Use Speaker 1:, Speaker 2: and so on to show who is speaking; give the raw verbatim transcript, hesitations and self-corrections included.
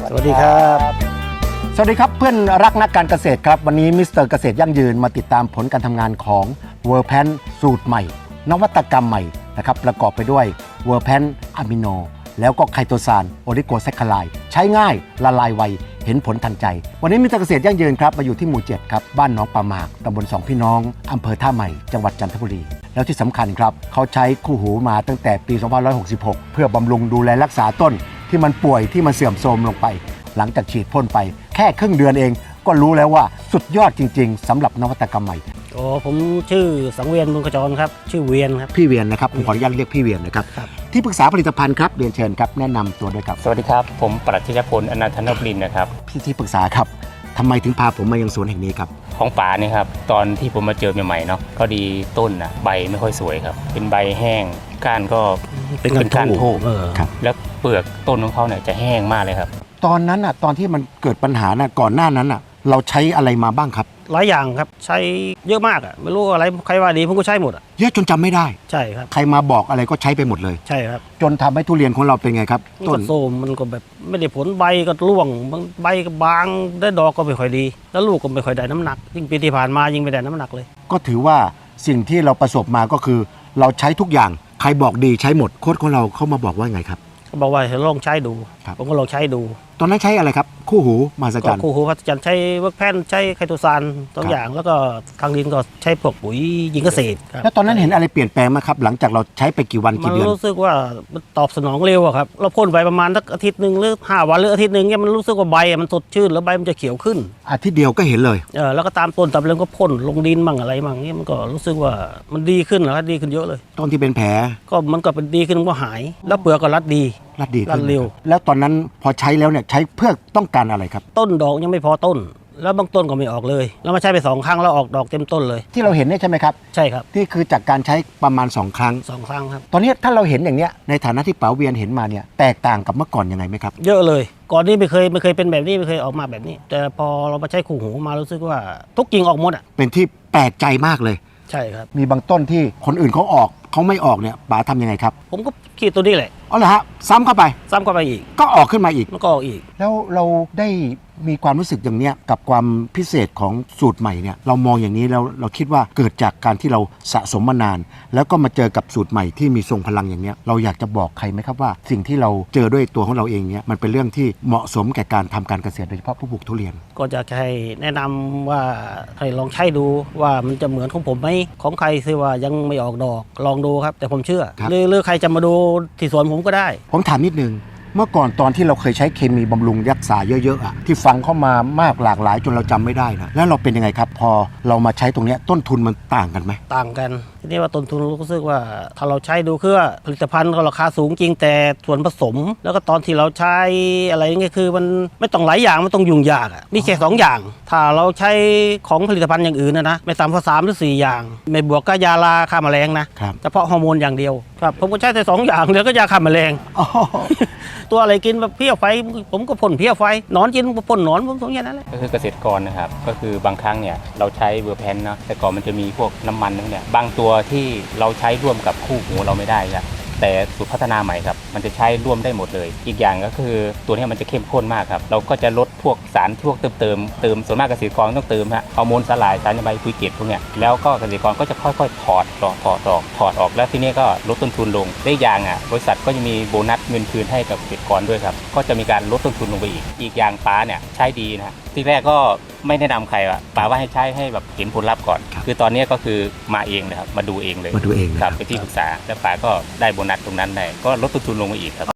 Speaker 1: สวัสดีครับ
Speaker 2: สวัสดีครับเพื่อนรักนักการเกษตรครับวันนี้มิสเตอร์เกษตรยั่งยืนมาติดตามผลการทำงานของเวอร์แพนสูตรใหม่นวัตกรรมใหม่นะครับประกอบไปด้วยเวอร์แพนอะมิโนแล้วก็ไคโตซานโอลิโกแซคคาไลด์ใช้ง่ายละลายไวเห็นผลทันใจวันนี้มิสเตอร์เกษตรยั่งยืนครับมาอยู่ที่หมู่เจ็ดครับบ้านหนองปลาหมากตำบลสองพี่น้องอำเภอท่าใหม่จังหวัดจันทบุรีแล้วที่สำคัญครับเขาใช้คู่หูมาตั้งแต่ปีสองพันห้าร้อยหกสิบหกเพื่อบำรุงดูแลรักษาต้นที่มันป่วยที่มันเสื่อมโทรมลงไปหลังจากฉีดพ่นไปแค่ครึ่งเดือนเองก็รู้แล้วว่าสุดยอดจริงๆสำหรับนวัตกรรมใหม่
Speaker 1: โอ้ผมชื่อสังเวียนบุญขจรครับชื่อเวียนครับ
Speaker 2: พี่เวียนนะครับผมขออนุญาตเรียกพี่เวียนนะครับที่ปรึกษาผลิตภัณฑ์ครับเรียนเชิญครับแนะนำตัวด้วยครับ
Speaker 3: สวัสดีครับผมปรัชญพลอนันทนพลินนะครับ
Speaker 2: พี่ที่ปรึกษาครับทำไมถึงพาผมมายังสวนแห่งนี้ครับ
Speaker 3: ของป่านี่ครับตอนที่ผมมาเจอใหม่ๆเนาะพอดีต้นนะใบไม่ค่อยสวยครับเป็นใบแห้งก้านก็
Speaker 1: เป็นก้านโผล่
Speaker 2: ครับ
Speaker 3: แล้วเปลือกต้นของเขาเนี่ยจะแห้งมากเลยครับ
Speaker 2: ตอนนั้นอ่ะตอนที่มันเกิดปัญหาน่ะก่อนหน้านั้นอ่ะเราใช้อะไรมาบ้างครับ
Speaker 1: หลายอย่างครับใช้เยอะมากอ่ะไม่รู้อะไรใครว่าดีผมก็ใช้หมดอ่ะ
Speaker 2: เยอะจนจำไม่ได้
Speaker 1: ใช่ครับ
Speaker 2: ใครมาบอกอะไรก็ใช้ไปหมดเลย
Speaker 1: ใช่ครับ
Speaker 2: จนทำให้ทุเรียนของเราเป็นไงครับ
Speaker 1: ต้นโซมมันก็แบบไม่ได้ผลใบก็ร่วงใบก็บางได้ดอกก็ไม่ค่อยดีแล้วลูกก็ไม่ค่อยได้น้ำหนักยิ่งปีที่ผ่านมายิ่งไม่ได้น้ำหนักเลย
Speaker 2: ก็ถือว่าสิ่งที่เราประสบมาก็คือเราใช้ทุกอย่างใครบอกดีใช้หมดโค้ชของเราเข้ามาบอกว่าไงครับ
Speaker 1: เขาบอกว่าให้ลองใช้ดูผมก็ลองใช้ดู
Speaker 2: ตอนนั้นใช้อะไรครับคู่หูมหัศจรรย์
Speaker 1: คู่หูมหัศจรรย์ใช้เวิร์กแพนใช้ไคโตซานตัวอย่างแล้วก็ทางดินก็ใช้พวกปุ๋ยยิงเกษตร
Speaker 2: แล้วตอนนั้นเห็นอะไรเปลี่ยนแปลงไหมครับหลังจากเราใช้ไปกี่วันกี่เดือน
Speaker 1: มันรู้สึกว่ามันตอบสนองเร็วอะครับเราพ่นไปประมาณสักอาทิตย์หนึ่งหรือห้าวันหรืออาทิตย์หนึ่งเนี่ยมันรู้สึกว่าใบมันสดชื่นแล้วใบมันจะเขียวขึ้น
Speaker 2: อาทิตย์เดียวก็เห็นเลย
Speaker 1: เออแล้วก็ตามต้นตามเรื่องก็พ่นลงดินมั่งอะไรมั่งเนี่ยมันก็รู้สึกว่ามันดีขึ้นแล้วดีขึ้นเยอะเลย
Speaker 2: ต้นที่เป็นแผล
Speaker 1: ก็มันก็เป็นดีขึ้นก็หายแล้วเปลือกก็รัดดี
Speaker 2: รัดดี
Speaker 1: รัดเร็ว
Speaker 2: แล้วตอนนั้นพอใช้แล้วเนี่ยใช้เพื่อต้องการอะไรครับ
Speaker 1: ต้นดอกยังไม่พอต้นแล้วบางต้นก็ไม่ออกเลยแล้วมาใช้ไปสองครั้งแล้วออกดอกเต็มต้นเลย
Speaker 2: ที่เราเห็นเนี่ยใช่ไหมครับ
Speaker 1: ใช่ครับ
Speaker 2: ที่คือจากการใช้ประมาณสองครั้ง
Speaker 1: สองครั้งครับ
Speaker 2: ตอนนี้ถ้าเราเห็นอย่างเนี้ยในฐานะที่ป๋าเวียนเห็นมาเนี่ยแตกต่างกับเมื่อก่อนยังไงไหมครับ
Speaker 1: เยอะเลยก่อนนี้ไม่เคยไม่เคยเป็นแบบนี้ไม่เคยออกมาแบบนี้แต่พอเรามาใช้คู่หูมารู้สึกว่าทุกกิ่งออกหมดอ่ะ
Speaker 2: เป็นที่แปลกใจมากเลย
Speaker 1: ใช่ครับ
Speaker 2: มีบางต้นที่คนอื่นเขาออกเขาไม่ออกเนี่ยป๋าทำยังไงครับ
Speaker 1: ผมก็ขีดตัวนี้แหละ
Speaker 2: อ๋อเหรอฮะซ้ำเข้าไป
Speaker 1: ซ้ำเข้าไปอีก
Speaker 2: ก็ออกขึ้นมาอีก
Speaker 1: มันก็ออกอีก
Speaker 2: แล้วเราได้มีความรู้สึกอย่างเนี้ยกับความพิเศษของสูตรใหม่เนี่ยเรามองอย่างนี้แล้วเราคิดว่าเกิดจากการที่เราสะสมมานานแล้วก็มาเจอกับสูตรใหม่ที่มีทรงพลังอย่างเนี้ยเราอยากจะบอกใครไหมครับว่าสิ่งที่เราเจอด้วยตัวของเราเองเนี่ยมันเป็นเรื่องที่เหมาะสมแก่การทำการเกษตรโดยเฉพาะผู้ปลูกทุเรียน
Speaker 1: ก็จะให้แนะนำว่าให้ลองใช้ดูว่ามันจะเหมือนของผมไหมของใครคือว่ายังไม่ออกดอกลองดูครับแต่ผมเชื่อหรือหรือใครจะมาดูที่สวนผมก็ได้
Speaker 2: ผมถามนิดนึงเมื่อก่อนตอนที่เราเคยใช้เคมีบำรุงรักษาเยอะๆอ่ะที่ฟังเข้ามามากหลากหลายจนเราจำไม่ได้นะแล้วเราเป็นยังไงครับพอเรามาใช้ตรงนี้ต้นทุนมันต่างกันไหม
Speaker 1: ต่างกันทีนี้ว่าต้นทุนรู้สึกว่าถ้าเราใช้ดูคือผลิตภัณฑ์ก็ราคาสูงจริงแต่ส่วนผสมแล้วก็ตอนที่เราใช้อะไรเงี้ยคือมันไม่ต้องหลายอย่างมันต้องยุ่งยากอ่ะมีแค่สองอย่างถ้าเราใช้ของผลิตภัณฑ์อย่างอื่นนะนะไม่ต่ำกว่าสามหรือสี่อย่างไม่บวกก็ยาลาฆ่าแมลงนะเฉพาะฮอร์โมนอย่างเดียวครับผมก็ใช้แต่สองอย่างแล้วก็ยาฆ่าแมลงตัวอะไรกินแบบเพี้ยไฟผมก็พ่นเพี้ยไฟนอนกินผมก็พ่นนอนผมสองอย่างนั้นแหละ
Speaker 3: ก็คือเกษตรกรนะครับก็คือบางครั้งเนี่ยเราใช้เวอร์แพนเนาะแต่ก่อนมันจะมีพวกน้ำมันเนี่ยบางตัวที่เราใช้ร่วมกับคู่หูเราไม่ได้ครับแต่สูตรพัฒนาใหม่ครับมันจะใช้ร่วมได้หมดเลยอีกอย่างก็คือตัวนี้มันจะเข้มข้นมากครับเราก็จะลดพวกสารพวกเติมเติมเติมส่วนมากเกษตรกรต้องเติมฮะฮอร์โมนสลายสารใบปุ๋ยเกล็ดพวกเนี้ยแล้วก็เกษตรกรก็จะค่อยๆถอดถอดถอดออกถอดออกแล้วทีนี้ก็ลดต้นทุนลงได้อย่างอ่ะบริษัทก็จะมีโบนัสเงินคืนให้กับเกษตรกรด้วยครับก็จะมีการลดต้นทุนลงไปอีกอีกอย่างป้าเนี่ยใช้ดีนะที่แรกก็ไม่แนะนำใครว่าป๋าว่าให้ใช้ให้แบบเห็นผลลัพธ์ก่อนคือตอนนี้ก็คือมาเองนะครับมาดูเองเลย
Speaker 2: มาดูเอง
Speaker 3: ครับไปที่ปรึกษาแล้วป๋าก็ได้โบนัสตรงนั้นได้ก็ลดต้นทุนลงมาอีกครับ